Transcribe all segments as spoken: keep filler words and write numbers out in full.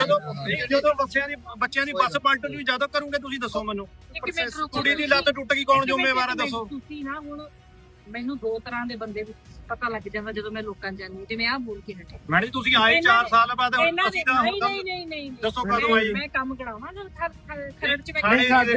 ਜਦੋਂ ਜਦੋਂ ਬੱਚਿਆਂ ਦੀ ਬੱਚਿਆਂ ਦੀ ਬੱਸ ਪਲਟਣ ਨੂੰ ਜ਼ਿਆਦਾ ਕਰੋਗੇ ਤੁਸੀਂ ਦੱਸੋ ਮੈਨੂੰ। ਕੁੜੀ ਦੀ ਲੱਤ ਟੁੱਟ ਗਈ ਕੌਣ ਜ਼ਿੰਮੇਵਾਰ ਹੈ ਦੱਸੋ। ਤੁਸੀਂ ਨਾ ਹੁਣ ਮੈਨੂੰ ਦੋ ਤਰ੍ਹਾਂ ਦੇ ਬੰਦੇ ਪਤਾ ਲੱਗ ਜਾਂਦਾ ਜਦੋਂ ਮੈਂ ਲੋਕਾਂ ਜਾਣੀ ਜਿਵੇਂ ਆਹ ਬੋਲ ਕੇ ਹਟੇ। ਮੈਡਮ ਜੀ ਤੁਸੀਂ ਆਏ ਚਾਰ ਸਾਲ ਬਾਅਦ ਅਸੀਂ ਤਾਂ ਨਹੀਂ ਨਹੀਂ ਨਹੀਂ ਨਹੀਂ ਦੱਸੋ ਕਦੋਂ ਆਏ। ਮੈਂ ਕੰਮ ਕਰਾਵਾਂ ਜਦ ਖਰੜ ਚ ਸਾਡੇ ਸਾਡੇ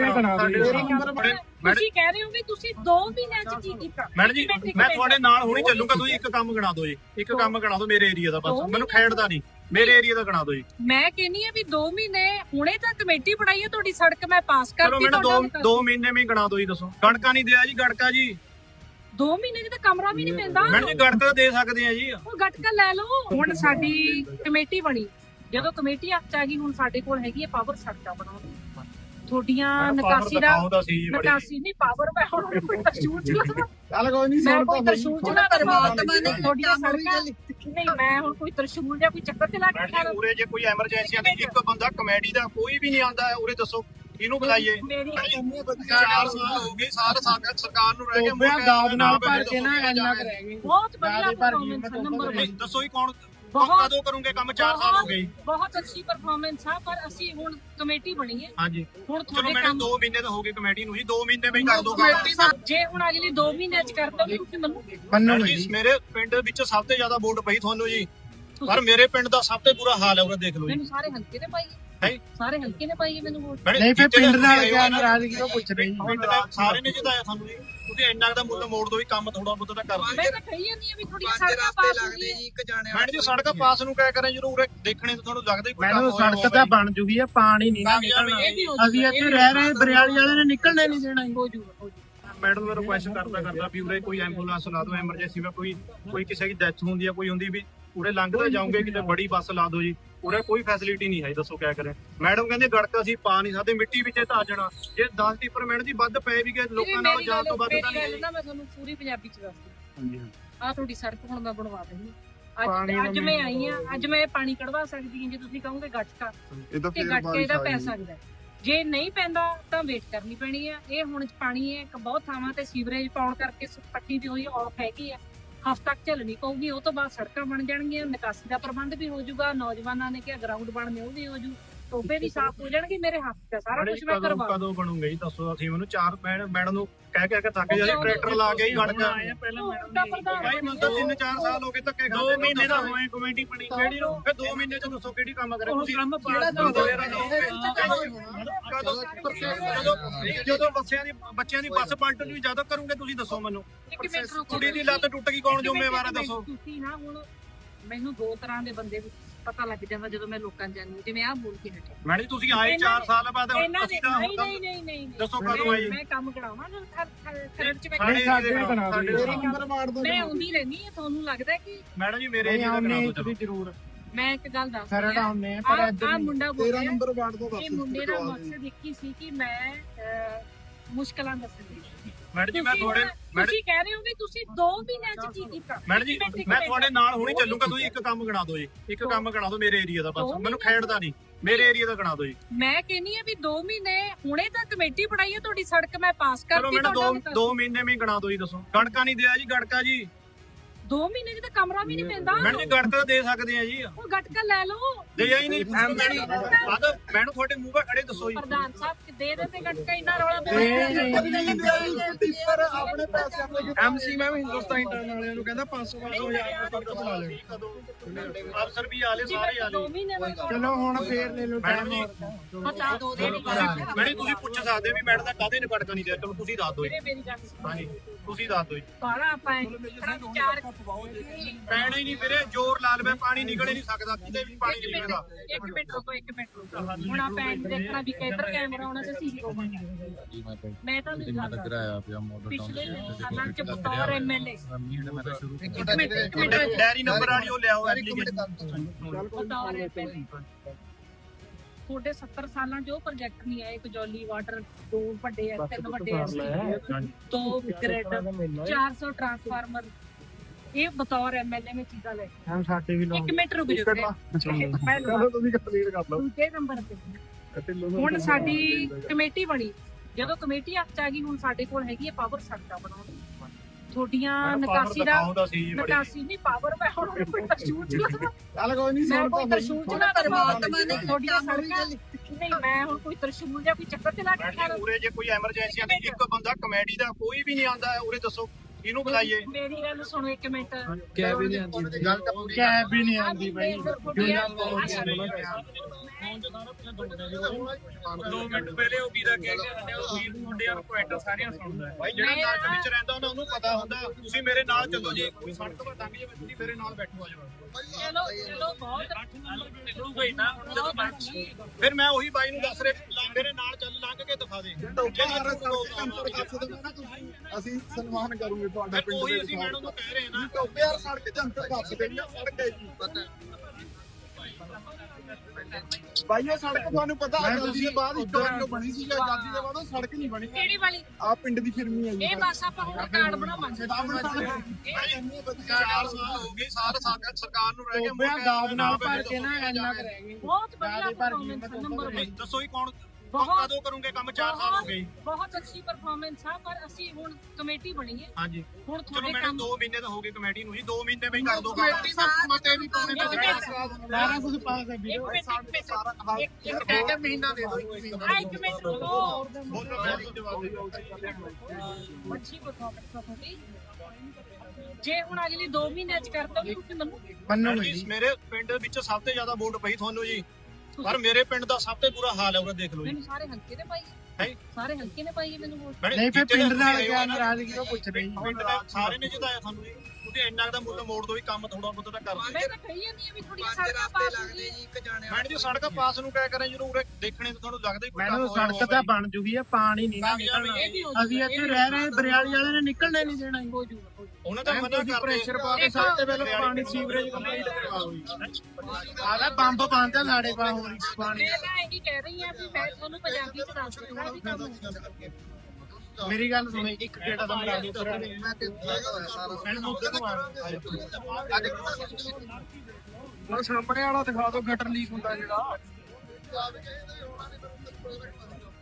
ਤੁਸੀਂ ਕਹਿ ਰਹੇ ਹੋ ਵੀ ਤੁਸੀਂ ਦੋ ਮਹੀਨਿਆਂ ਚ ਕੀ ਕੀਤਾ। ਮੈਡਮ ਜੀ ਮੈਂ ਤੁਹਾਡੇ ਨਾਲ ਹੁਣੀ ਚੱਲੂਗਾ, ਤੁਸੀਂ ਇੱਕ ਕੰਮ ਗਣਾ ਦਿਓ ਜੀ, ਇੱਕ ਕੰਮ ਗਣਾ ਦਿਓ ਮੇਰੇ ਏਰੀਆ ਦਾ, ਬਸ ਮੈਨੂੰ ਖੇਡਦਾ ਨਹੀਂ, ਮੇਰੇ ਏਰੀਆ ਦਾ ਗਣਾ ਦਿਓ ਜੀ। ਮੈਂ ਕਹਿੰਨੀ ਆ ਵੀ ਦੋ ਮਹੀਨੇ ਹੁਣੇ ਤਾਂ ਕਮੇਟੀ ਬਣਾਈ ਹੈ ਤੁਹਾਡੀ ਸੜਕ ਮੈਂ ਪਾਸ ਕਰਤੀ। ਚਲੋ ਮੈਨੂੰ ਦੋ ਦੋ ਮਹੀਨੇ ਵਿੱਚ ਗਣਾ ਦਿਓ ਜੀ, ਦੱਸੋ ਗੜਕਾ ਨਹੀਂ ਦਿਆ ਜੀ, ਗੜਕਾ ਜੀ ਦੋ ਮਹੀਨੇ ਚ ਤਾਂ ਕਮਰਾ ਵੀ ਨਹੀਂ ਮਿਲਦਾ। ਮੈਡਮ ਜੀ ਗੜਕਾ ਦੇ ਸਕਦੇ ਆ ਜੀ, ਉਹ ਗਟਕਾ ਲੈ ਲਓ। ਹੁਣ ਸਾਡੀ ਕਮੇਟੀ ਬਣੀ, ਜਦੋਂ ਕਮੇਟੀ ਹੱਥ ਚ ਆ ਗਈ ਹੁਣ ਸਾਡੇ ਕੋਲ ਹੈਗੀ ਹੈ ਪਾਵਰ ਸੜਕਾਂ ਬਣਾਉਣ ਦੀ। ਤੁਹਾਡੀਆਂ ਨਿਕਾਸੀ ਦਾ ਨਿਕਾਸੀ ਨਹੀਂ ਪਾਵਰ ਮੈਂ ਹੁਣ ਕੋਈ ਤਰਸ਼ੂਲ ਚਲਾਵਾਂ। ਚੱਲ ਕੋਈ ਨਹੀਂ ਮੈਂ ਕੋਈ ਤਰਸ਼ੂਲ ਚਲਾ ਪਰਮਾਤਮਾ ਨੇ ਤੁਹਾਡੀਆਂ ਸੜਕਾਂ ਨਹੀਂ ਮੈਂ ਹੁਣ ਕੋਈ ਤਰਸ਼ੂਲ ਜਾਂ ਕੋਈ ਚੱਕਰ ਚਲਾ ਕੇ ਖਾ ਉਰੇ ਜੇ ਕੋਈ ਐਮਰਜੈਂਸੀ ਆਂਦੀ ਇੱਕ ਬੰਦਾ ਕਮੇਡੀ ਦਾ ਕੋਈ ਵੀ ਨਹੀਂ ਆਂਦਾ ਉਰੇ, ਦੱਸੋ ਇਹਨੂੰ ਬੁਲਾਈਏ। ਚਾਰ ਸਾਲ ਹੋ ਗਏ ਸਾਰ ਸਾਡਾ ਸਰਕਾਰ ਨੂੰ ਰਹਿ ਕੇ ਮੁੰਡਿਆਂ ਦਾਦ ਨਾਲ ਭਰ ਕੇ ਨਾ ਇੰਨਾ ਕਰ ਰਹਿ ਗਏ। ਬਹੁਤ ਵਧੀਆ ਪਰਫਾਰਮੈਂਸ ਨੰਬਰ ਇੱਕ। ਦੱਸੋ ਹੀ ਕੌਣ ਕਦੋਂ ਕਰੋਗੇ ਕੰਮ, ਚਾਰ ਸਾਲ ਹੋ ਗਏ। ਬਹੁਤ ਅੱਛੀ ਪਰਫਾਰਮੈਂਸ ਆ ਪਰ ਅਸੀਂ ਹੁਣ ਕਮੇਟੀ ਬਣੀ ਹੈ। ਹਾਂਜੀ ਹੁਣ ਚਲੋ ਤੁਹਾਡੇ ਮੈਨੂੰ ਕੰਮ ਦੋ ਮਹੀਨੇ ਤਾਂ ਹੋ ਗਏ ਕਮੇਟੀ ਨੂੰ ਜੀ, ਦੋ ਮਹੀਨੇ ਵਿੱਚ ਕਰ ਦੋ ਜੇ ਹੁਣ ਅਗਲੀ ਦੋ ਮਹੀਨਿਆਂ ਚ ਕਰਤਾ ਤੁਸੀਂ ਮੰਨੋਗੇ। ਮੰਨੋਗੇ ਜੀ। ਮੇਰੇ ਪਿੰਡ ਵਿੱਚ ਸਭ ਤੋਂ ਜ਼ਿਆਦਾ ਵੋਟ ਪਈ ਤੁਹਾਨੂੰ ਜੀ, ਪਰ ਮੇਰੇ ਪਿੰਡ ਦਾ ਸਭ ਤੋਂ ਬੁਰਾ ਹਾਲ ਹੈ ਉਹਦਾ ਦੇਖ ਲਓ ਜੀ। ਮੈਨੂੰ ਸਾਰੇ ਹਲਕੇ ਨੇ ਪਾਈ ਹੈ, ਸਾਰੇ ਹਲਕੇ ਨੇ ਪਾਈ ਮੈਨੂੰ ਵੋਟ। ਨਹੀਂ ਫਿਰ ਪਿੰਡ ਨਾਲ ਕਿਆ ਨਾਰਾਜ਼ਗੀ ਉਹ ਪੁੱਛ ਰਹੀ ਪਿੰਡ ਦੇ ਸਾਰੇ ਨੇ ਜਿਤਾਇਆ ਤੁਹਾਨੂੰ ਜੀ, ਤੁਸੀਂ ਇੰਨਾ ਦਾ ਮੁੱਲ ਮੋੜ ਦੋ ਵੀ ਕੰਮ ਥੋੜਾ ਬਹੁਤ ਤਾਂ ਕਰ ਦਿਓ। ਮੈਂ ਤਾਂ ਕਹੀ ਜਾਂਦੀ ਆ ਵੀ ਥੋੜੀ ਸੜਕਾਂ ਪਾਸ ਹੋ ਗਈ ਜੀ, ਇੱਕ ਜਾਣਿਆ ਮੈਡਮ ਜੀ ਸੜਕ ਪਾਸ ਨੂੰ ਕਹਿ ਕਰੇ ਜਦੋਂ ਉਰੇ ਦੇਖਣੇ ਤਾਂ ਤੁਹਾਨੂੰ ਲੱਗਦਾ ਹੀ ਕੋਈ ਮੈਨੂੰ ਸੜਕ ਤਾਂ ਬਣ ਜੂਗੀ ਆ, ਪਾਣੀ ਨਹੀਂ ਨਾ ਨਿਕਲਣਾ। ਅਸੀਂ ਇੱਥੇ ਰਹਿ ਰਹੇ ਬਰਿਆਲੀ ਵਾਲੇ ਨੇ ਨਿਕਲਣੇ ਨਹੀਂ ਦੇਣਾ। ਹੋ ਜੂਗਾ ਹੋ ਜੂਗਾ। ਮੈਡਮ ਨੂੰ ਰਿਕੁਐਸਟ ਕਰਦਾ ਕਰਦਾ ਵੀ ਉਰੇ ਕੋਈ ਐਂਬੂਲੈਂਸ ਲਾ ਦਿਓ, ਐਮਰਜੈਂਸੀ ਵਿੱਚ ਕੋਈ ਕੋਈ ਕਿਸੇ ਦੀ ਡੈਥ ਹੁੰਦੀ ਆ, ਕੋਈ ਹੁੰਦੀ ਵੀ ਉਰੇ ਲੰਘਦੇ ਜਾਓਗੇ ਕਿਤੇ ਬੜੀ ਬੱਸ ਲਾ ਦਿਓ ਜੀ। ਉਰੇ ਕੋਈ ਫੈਸਿਲਿਟੀ ਨਹੀਂ ਹੈ, ਦੱਸੋ ਕਿਆ ਕਰੇ। ਮੈਡਮ ਕਹਿੰਦੇ ਗੜਕਾ ਅਸੀਂ ਪਾ ਨਹੀਂ ਸਕਦੇ, ਮਿੱਟੀ ਵਿੱਚ ਧਾ ਜਾਣਾ। ਜੇ ਦਸ ਟਿੱਪਰ ਮੈਡਮ ਜੀ ਵੱਧ ਪਏ ਵੀ ਗਏ ਲੋਕਾਂ ਨਾਲ ਜਾਣ ਤੋਂ ਵੱਧ ਤਾਂ ਨਹੀਂ। ਮੈਂ ਤੁਹਾਨੂੰ ਪੂਰੀ ਪੰਜਾਬੀ ਚ ਦੱਸਦੀ ਆ ਤੁਹਾਡੀ ਸੜਕ ਹੁਣ ਮੈਂ ਬਣਵਾ ਦੇਣੀ ਅੱਜ ਅੱਜ ਮੈਂ ਆਈ ਆ, ਅੱਜ ਮੈਂ ਪਾਣੀ ਕਢਵਾ ਸਕਦੀ ਹਾਂ ਜੇ ਤੁਸੀਂ ਕਹੋਗੇ ਗਟਕਾ ਤੇ ਗਟਕੇ ਇਹਦਾ ਪੈ ਸਕਦਾ। ਜੇ ਨਹੀਂ ਪੈਂਦਾ ਤਾਂ ਵੇਟ ਕਰਨੀ ਪੈਣੀ ਆ। ਇਹ ਹੁਣ ਪਾਣੀ ਹੈ ਇੱਕ ਬਹੁਤ ਥਾਵਾਂ ਤੇ ਸੀਵਰੇਜ ਪਾਉਣ ਕਰਕੇ ਪੱਟੀ ਦੀ ਹੋਈ ਆਫ ਹੈਗੀ ਆ, ਹਫ਼ਤਾ ਤੱਕ ਝੱਲਣੀ ਪਊਗੀ। ਉਹ ਤੋਂ ਬਾਅਦ ਸੜਕਾਂ ਬਣ ਜਾਣਗੀਆਂ, ਨਿਕਾਸੀ ਦਾ ਪ੍ਰਬੰਧ ਵੀ ਹੋ ਜਾਊਗਾ, ਨੌਜਵਾਨਾਂ ਨੇ ਕਿਹਾ ਗਰਾਊਂਡ ਬਣਨੇ ਉਹ ਵੀ ਹੋ ਜੂ, ਟੋਬੇ ਵੀ ਸਾਫ਼ ਹੋ ਜਾਣਗੇ। ਮੇਰੇ ਹੱਥ ਤੇ ਸਾਰਾ ਕੁਝ ਮੈਂ ਕਰਵਾ। ਕਦੋਂ ਬਣੂਗਾ ਜੀ ਦੱਸੋ। ਅਸੀਂ ਉਹਨੂੰ ਚਾਰ ਮੈਡਮ ਨੂੰ ਕਹਿ ਕਹਿ ਕੇ ਥੱਕ ਜਾਂਦੇ, ਟਰੈਕਟਰ ਲਾ ਕੇ ਹੀ ਗੜਕਾ ਆਇਆ ਪਹਿਲਾਂ ਮੈਡਮ ਭਾਈ ਮੈਨੂੰ ਤਾਂ ਤਿੰਨ ਚਾਰ ਸਾਲ ਹੋ ਗਏ ਧੱਕੇ ਖਾਂਦੇ। ਦੋ ਮਹੀਨੇ ਦਾ ਹੋਏ ਕਮੇਟੀ ਬਣੀ ਕਿਹੜੀ ਨੂੰ, ਫਿਰ ਦੋ ਮਹੀਨੇ ਚ ਦੱਸੋ ਕਿਹੜੀ ਕੰਮ ਕਰੇ ਤੁਸੀਂ। ਜਦੋਂ ਬੱਚਿਆਂ ਦੀ ਬੱਚਿਆਂ ਦੀ ਬੱਸ ਪਲਟਣ ਨੂੰ ਜ਼ਿਆਦਾ ਕਰੋਗੇ ਤੁਸੀਂ ਦੱਸੋ ਮੈਨੂੰ। ਕੁੜੀ ਦੀ ਲੱਤ ਟੁੱਟ ਗਈ ਕੌਣ ਜ਼ਿੰਮੇਵਾਰ ਹੈ ਦੱਸੋ। ਤੁਸੀਂ ਨਾ ਹੁਣ ਮੈਨੂੰ ਦੋ ਤਰ੍ਹਾਂ ਦੇ ਬੰਦੇ ਪਤਾ ਲੱਗ ਜਾਂਦਾ ਜਦੋਂ ਮੈਂ ਲੋਕਾਂ ਜਾਣੀ ਜਿਵੇਂ ਆਹ ਬੋਲ ਕੇ ਹਟੇ। ਮੈਡਮ ਜੀ ਤੁਸੀਂ ਆਏ ਚਾਰ ਸਾਲ ਬਾਅਦ ਅਸੀਂ ਤਾਂ ਨਹੀਂ ਨਹੀਂ ਨਹੀਂ ਨਹੀਂ ਦੱਸੋ ਕਦੋਂ ਆਏ। ਮੈਂ ਕੰਮ ਕਰਾਵਾਂ ਜਦ ਖਰੜ ਚ ਸਾਡੇ ਸਾਡੇ ਬਣਾ ਦਿਓ ਨੰਬਰ ਵਾਰਡ ਦੋ। ਮੈਂ ਆਉਂਦੀ ਰਹਿਣੀ ਹੈ, ਤੁਹਾਨੂੰ ਲੱਗਦਾ ਕਿ ਮੈਡਮ ਜੀ ਮੇਰੇ ਏਰੀਆ ਦਾ ਬਣਾ ਦਿਓ ਤੁਸੀਂ ਜ਼ਰੂਰ। ਮੈਂ ਇੱਕ ਗੱਲ ਦੱਸ ਖਰੜ ਆਉਂਦੇ ਆ ਪਰ ਇੱਧਰ ਆ ਮੁੰਡਾ ਬੋਲ ਰਿਹਾ ਨੰਬਰ ਵਾਰਡ ਤੋਂ ਇਹ ਮੁੰਡੇ ਦਾ ਮਕਸਦ ਇੱਕ ਹੀ ਸੀ ਕਿ ਮੈਂ ਮੁਸ਼ਕਲਾਂ ਦੱਸਣੀ। ਮੈਡਮ ਜੀ ਮੈਂ ਤੁਹਾਡੇ ਤੁਸੀਂ ਕਹਿ ਰਹੇ ਹੋ ਵੀ ਤੁਸੀਂ ਦੋ ਮਹੀਨਿਆਂ ਚ ਕੀ ਕੀਤਾ। ਮੈਡਮ ਜੀ ਮੈਂ ਤੁਹਾਡੇ ਨਾਲ ਹੁਣੀ ਚੱਲੂਗਾ, ਤੁਸੀਂ ਇੱਕ ਕੰਮ ਗਣਾ ਦਿਓ ਜੀ, ਇੱਕ ਕੰਮ ਗਣਾ ਦਿਓ ਮੇਰੇ ਏਰੀਆ ਦਾ, ਬਸ ਮੈਨੂੰ ਖੇਡਦਾ ਨਹੀਂ, ਮੇਰੇ ਏਰੀਆ ਦਾ ਗਣਾ ਦਿਓ ਜੀ। ਮੈਂ ਕਹਿੰਨੀ ਆ ਵੀ ਦੋ ਮਹੀਨੇ ਹੁਣੇ ਤਾਂ ਕਮੇਟੀ ਬਣਾਈ ਹੈ ਤੁਹਾਡੀ ਸੜਕ ਮੈਂ ਪਾਸ ਕਰਤੀ। ਚਲੋ ਮੈਨੂੰ ਦੋ ਦੋ ਮਹੀਨੇ ਵਿੱਚ ਗਣਾ ਦਿਓ ਜੀ, ਦੱਸੋ ਗੜਕਾ ਨਹੀਂ ਦਿਆ ਜੀ, ਗੜਕਾ ਜੀ ਦੋ ਮਹੀਨੇ ਚ ਤਾਂ ਕਮਰਾ ਵੀ ਨਹੀਂ ਮਿਲਦਾ। ਮੈਡਮ ਜੀ ਗੜਕਾ ਦੇ ਸਕਦੇ ਆ ਜੀ, ਉਹ ਗਟਕਾ ਲੈ ਲਓ। ਦੇ ਹੀ ਨਹੀਂ ਮੈਨੂੰ ਤੁਹਾਡੇ ਮੂੰਹ 'ਤੇ ਖੜੇ ਦੱਸੋ ਜੀ। ਪ੍ਰਧਾਨ ਸਾਹਿਬ ਦੇ ਦੇ ਤੇ ਗਟਕਾ ਇੰਨਾ ਰੌਲਾ ਆਪਣੇ ਪੈਸੇ ਆਪਣੇ ਐਮਸੀ ਮੈਂ ਵੀ ਹਿੰਦੁਸਤਾਨ ਇੰਟਰਨ ਵਾਲਿਆਂ ਨੂੰ ਕਹਿੰਦਾ ਪੰਜ ਸੌ ਪੰਜ ਸੌ ਹਜ਼ਾਰ ਰੁਪਏ ਤੱਕ ਬੁਲਾ ਲੈਣ। ਅਫਸਰ ਵੀ ਆਲੇ ਸਾਰੇ ਆਲੇ। ਦੋ ਮਹੀਨੇ ਦਾ ਚਲੋ ਹੁਣ ਫੇਰ ਲੈ ਲਓ ਮੈਡਮ ਜੀ ਪਤਾ ਦੋ ਦੇ ਮੈਡਮ ਤੁਸੀਂ ਪੁੱਛ ਸਕਦੇ ਵੀ ਮੈਡਮ ਦਾ ਕਾਹਦੇ ਨੇ ਗੜਕਾ ਨਹੀਂ ਦਿਆ, ਚਲੋ ਤੁਸੀਂ ਦੱਸ ਦਿਓ ਜੀ। ਮੇਰੀ ਗੱਲ ਹਾਂਜੀ ਤੁਸੀਂ ਦੱਸ ਦਿਓ ਜੀ। ਬਾਰਾ ਆਪਾਂ ਚਾਰ ਪੈਣਾ ਹੀ ਨਹੀਂ ਵੀਰੇ, ਜ਼ੋਰ ਲਾ ਲਵੇ ਪਾਣੀ ਨਿਕਲ ਹੀ ਨਹੀਂ ਸਕਦਾ, ਕਿਤੇ ਵੀ ਪਾਣੀ ਨਹੀਂ ਨਿਕਲਦਾ। ਇੱਕ ਮਿੰਟ ਰੁਕੋ ਇੱਕ ਮਿੰਟ ਰੁਕੋ। ਹੁਣ ਆਪਾਂ ਐਂ ਦੇਖਣਾ ਵੀ ਕਿੱਧਰ ਕੈਮਰਾ ਆਉਣਾ ਤੇ ਸੀਸੀ ਮੈਂ ਤਾਂ ਨਹੀਂ ਕਰਾਇਆ ਪਿਆ ਮਾਡਲ ਪਿਛਲੇ ਸਾਲਾਂ ਚ ਬਤੌਰ ਐਮਐਲਏ ਮੈਂ ਤਾਂ ਸ਼ੁਰੂ ਇੱਕ ਮਿੰਟ ਇੱਕ ਮਿੰਟ ਡੈਰੀ ਨੰਬਰ ਵਾਲੀ ਉਹ ਲਿਆਓ ਐਪਲੀਕੇਸ਼ਨ। ਬਤੌਰ ਐਮਐਲਏ ਤੁਹਾਡੇ ਸੱਤਰ ਸਾਲਾਂ ਚ ਉਹ ਪ੍ਰੋਜੈਕਟ ਨਹੀਂ ਆਏ, ਕਜੌਲੀ ਵਾਟਰ ਦੋ ਵੱਡੇ ਐ, ਤਿੰਨ ਵੱਡੇ ਐ, ਦੋ ਗ੍ਰਿਡ, ਚਾਰ ਸੌ ਟਰਾਂਸਫਾਰਮਰ। ਇਹ ਬਤੌਰ ਐਮਐਲਏ ਮੈਂ ਚੀਜ਼ਾਂ ਲੈ ਹਮ ਸਾਡੇ ਵੀ ਇੱਕ ਮਿੰਟ ਰੁਕ ਜਾਓ। ਚਲੋ ਤੁਸੀਂ ਕੰਪਲੀਟ ਕਰ ਲਓ। ਦੂਜੇ ਨੰਬਰ ਤੇ ਹੁਣ ਸਾਡੀ ਕਮੇਟੀ ਬਣੀ, ਜਦੋਂ ਕਮੇਟੀ ਹੱਥ ਚ ਆ ਗਈ ਹੁਣ ਸਾਡੇ ਕੋਲ ਹੈਗੀ ਹੈ ਪਾਵਰ ਸੜਕਾਂ ਬਣਾਉਣ ਦੀ। ਤੁਹਾਡੀਆਂ ਮੈਡਮ, ਨਿਕਾਸੀ power ਦਾ ਦਿਖਾਉਂਦਾ ਸੀ ਜੀ ਬੜੀ। ਨਿਕਾਸੀ ਨਹੀਂ ਪਾਵਰ ਮੈਂ ਹੁਣ ਕੋਈ ਤਰਸ਼ੂਲ ਚਲਾ ਚੱਲ ਕੋਈ ਨਹੀਂ ਮੈਂ ਕੋਈ ਤਰਸ਼ੂਲ ਚਲਾ ਪਰਮਾਤਮਾ ਨੇ ਤੁਹਾਡੀਆਂ ਸੜਕਾਂ ਨਹੀਂ ਮੈਂ ਹੁਣ ਕੋਈ ਤਰਸ਼ੂਲ ਜਾਂ ਕੋਈ ਚੱਕਰ ਚਲਾ ਕੇ ਮੈਡਮ ਜੀ, ਉਰੇ ਜੇ ਕੋਈ ਐਮਰਜੈਂਸੀ ਆਂਦੀ ਇੱਕ ਬੰਦਾ ਕਮੇਡੀ ਦਾ ਕੋਈ ਵੀ ਨਹੀਂ ਆਂਦਾ ਉਰੇ ਦੱਸੋ ਇਹਨੂੰ ਬੁਲਾਈਏ। ਮੇਰੀ ਗੱਲ ਸੁਣੋ ਇੱਕ ਮਿੰਟ ਕੈਬ ਵੀ ਨਹੀਂ ਆਉਂਦੀ ਗੱਲ ਤਾਂ ਪੂਰੀ ਕੈਬ ਵੀ ਨਹੀਂ ਆਉਂਦੀ ਬਾਈ ਦੋ ਮਿੰਟ ਪਹਿਲੇ ਉਹ ਵੀਰਾ ਕਹਿ ਕੇ ਉਹ ਵੀਰ ਮੁੰਡਿਆਂ ਨੂੰ ਕੁਐਂਟਲ ਸਾਰਿਆਂ ਸੁਣਦਾ ਹੈ ਭਾਈ ਜਿਹੜਾ ਨਰਕ ਵਿੱਚ ਰਹਿੰਦਾ ਉਹਨਾਂ ਨੂੰ ਪਤਾ ਹੁੰਦਾ। ਤੁਸੀਂ ਮੇਰੇ ਨਾਲ ਚੱਲੋ ਜੀ ਕੋਈ ਸੜਕ ਤੇ ਲੰਘ ਜਾਵੇ ਤੁਸੀਂ ਮੇਰੇ ਨਾਲ ਬੈਠੋ ਆ ਜਾਓ। ਚਲੋ ਚਲੋ ਬਹੁਤ ਨਿਕਲੂਗਾ ਹੀ ਨਾ ਫਿਰ ਮੈਂ ਉਹੀ ਬਾਈ ਨੂੰ ਦੱਸ ਰਿਹਾ ਮੇਰੇ ਨਾਲ ਚੱਲ ਲੰਘ ਕੇ ਦਿਖਾ ਦੇ ਅਸੀਂ ਸਨਮਾਨ ਕਰੂਗੇ ਤੁਹਾਡਾ ਪਿੰਡ ਉਹੀ ਅਸੀਂ ਮੈਡਮ ਨੂੰ ਕਹਿ ਰਹੇ ਹਾਂ ਨਾ ਟੋਪੇ ਯਾਰ ਸੜਕ ਜਨਤਕ ਦੱਸ ਦੇਣੀ ਆ ਸੜਕ ਹੈ ਜੀ ਭਾਈ ਇਹ ਸੜਕ ਤੁਹਾਨੂੰ ਪਤਾ ਆਜ਼ਾਦੀ ਦੇ ਬਾਅਦ ਇੱਕ ਵਾਰ ਜੋ ਬਣੀ ਸੀ ਆਜ਼ਾਦੀ ਦੇ ਬਾਅਦ ਉਹ ਸੜਕ ਨਹੀਂ ਬਣੀ ਕਿਹੜੀ ਵਾਲੀ ਆ ਪਿੰਡ ਦੀ ਫਿਰਮੀ ਹੈ ਜੀ ਇਹ ਬਸ ਆਪਾਂ ਹੁਣ ਕਾਰਡ ਬਣਾਵਾਂਗੇ ਚਾਰ ਸਾਲ ਹੋ ਗਏ ਸਾਰ ਸਾਲ ਸਰਕਾਰ ਨੂੰ ਰਹਿ ਗਿਆ ਟੋਪਿਆ ਦਾਦ ਨਾਲ ਭਰ ਕੇ ਨਾ ਇੰਨਾ ਕਰ ਰਹਿ ਗਏ ਬਹੁਤ ਵਧੀਆ ਪਰਫਾਰਮੈਂਸ ਨੰਬਰ ਇੱਕ ਦੱਸੋ ਹੀ ਕੌਣ ਬਹੁਤ ਕਦੋਂ ਕਰੋਗੇ ਕੰਮ ਚਾਰ ਸਾਲ ਹੋ ਗਏ ਬਹੁਤ ਅੱਛੀ ਪਰਫਾਰਮੈਂਸ ਆ ਪਰ ਅਸੀਂ ਹੁਣ ਕਮੇਟੀ ਬਣੀ ਹੈ ਹਾਂਜੀ ਹੁਣ ਚਲੋ ਤੁਹਾਡੇ ਮੈਡਮ ਕੰਮ ਦੋ ਮਹੀਨੇ ਤਾਂ ਹੋ ਗਏ ਕਮੇਟੀ ਨੂੰ ਜੀ ਦੋ ਮਹੀਨੇ ਵਿੱਚ ਕਰ ਦੋ ਕਮੇਟੀ ਦਾ ਮਤੇ ਵੀ ਪਾਉਣੇ ਇੱਕ ਮਿੰਟ। ਸਾਰਾ ਕੁਝ ਪਾਸ ਹੈ ਵੀਰੇ ਇੱਕ ਮਿੰਟ, ਇੱਕ ਮਿੰਟ। ਸਾਰਾ ਇੱਕ- ਇੱਕ ਕਹਿ ਕੇ ਮਹੀਨਾ ਦੇ ਦੋ ਆ ਇੱਕ ਮਿੰਟ ਰੁਕੋ ਬੋਲੋ ਮੈਂ ਜਵਾਬ ਦੇ ਅੱਛੀ ਪਰਫਾਰਮੈਂਸ ਆ ਤੁਹਾਡੀ ਜੇ ਹੁਣ ਅਗਲੀ ਦੋ ਮਹੀਨਿਆਂ ਚ ਕਰ ਦੋਗੇ ਤੁਸੀਂ ਮੰਨੋ ਮੰਨੋ ਜੀ ਮੇਰੇ ਪਿੰਡ ਵਿੱਚ ਸਭ ਤੋਂ ਜ਼ਿਆਦਾ ਵੋਟ ਪਈ ਤੁਹਾਨੂੰ ਜੀ ਪਰ ਮੇਰੇ ਪਿੰਡ ਦਾ ਸਭ ਤੋਂ ਬੁਰਾ ਹਾਲ ਹੈ ਉਹ ਦੇਖ ਲਓ ਜੀ ਮੈਨੂੰ ਸਾਰੇ ਹਲਕੇ ਨੇ ਪਾਈ ਹੈ ਸਾਰੇ ਹਲਕੇ ਨੇ ਪਾਈ ਹੈ ਮੈਨੂੰ ਵੋਟ ਮੈਡਮ, ਨਹੀਂ ਫਿਰ ਜਿੱਤੇ ਪਿੰਡ ਨਾਲ ਤੁਸੀਂ ਕਿਆ ਆਏ ਹੋ ਨਾ, ਨਾਰਾਜ਼ਗੀ ਉਹ ਪੁੱਛ ਰਹੀ ਪਿੰਡ ਦੇ ਸਾਰੇ ਨੇ ਜਿਤਾਇਆ ਤੁਹਾਨੂੰ ਜੀ ਤੁਸੀਂ ਇੰਨਾ ਕੁ ਦਾ ਮੁੱਲ ਮੋੜ ਦੋ ਵੀ ਕੰਮ ਥੋੜਾ ਬਹੁਤਾ ਤਾਂ ਕਰ ਮੈਂ ਤਾਂ ਕਹੀ ਜਾਂਦੀ ਆ ਵੀ ਥੋੜੀਆਂ ਸੜਕਾਂ ਪਾਸ ਹੋ ਗਈਆਂ ਮੈਡਮ ਜੀ ਸੜਕ ਪਾਸ ਨੂੰ ਕਹਿ ਕਰਾਂ ਜਦੋਂ ਉਰੇ ਦੇਖਣੇ ਤਾਂ ਤੁਹਾਨੂੰ ਲੱਗਦਾ ਹੀ ਕੋਈ ਕੰਮ ਮੈਨੂੰ ਹੋਇਆ ਸੜਕ ਤਾਂ ਬਣ ਜੂਗੀ ਆ ਪਾਣੀ ਨਹੀਂ ਨਾ ਨਿਕਲਣਾ ਇਹ ਵੀ ਹੋ ਜੂਗਾ, ਅਸੀਂ ਇਹ ਇੱਥੇ ਵੀ ਰਹਿ ਰਹੇ ਬਰਿਆਲੀ ਵਾਲਿਆਂ ਨੇ ਨਿਕਲਣੇ ਨਹੀਂ ਦੇਣਾ ਹੋ ਜੂਗਾ ਹੋ ਜੂਗਾ। ਉਹਨਾਂ ਦਾ ਮਨਾ ਕਰਦੇ ਪ੍ਰੈਸ਼ਰ ਪਾ ਕੇ ਸਭ ਤੋਂ ਪਹਿਲਾਂ ਪਾਣੀ ਸੀਵਰੇਜ ਕੰਪਲੀਟ ਕਰਵਾਓ ਜੀ ਆਦਾ ਪੰਪ ਬੰਦ ਸਾਡੇ ਪਾ ਹੋਰ ਪਾਣੀ ਮੈਂ ਤਾਂ ਇਹੀ ਕਹਿ ਰਹੀ ਆ ਵੀ ਮੈਂ ਤੁਹਾਨੂੰ ਪੰਜਾਬੀ ਚ ਦੱਸ ਦਿੰਦਾ ਵੀ ਕੰਮ ਹੋ ਮੇਰੀ ਗੱਲ ਸੁਣੋ ਇੱਕ ਗੇੜਾ ਦਾ ਮਰਾ ਦਿਓ ਮੈਨੂੰ ਉੱਧਰ ਨੂੰ ਆ ਹੁਣ ਸਾਹਮਣੇ ਵਾਲਾ ਦਿਖਾ ਦਿਓ ਗਟਰ ਲੀਕ ਹੁੰਦਾ ਜਿਹੜਾ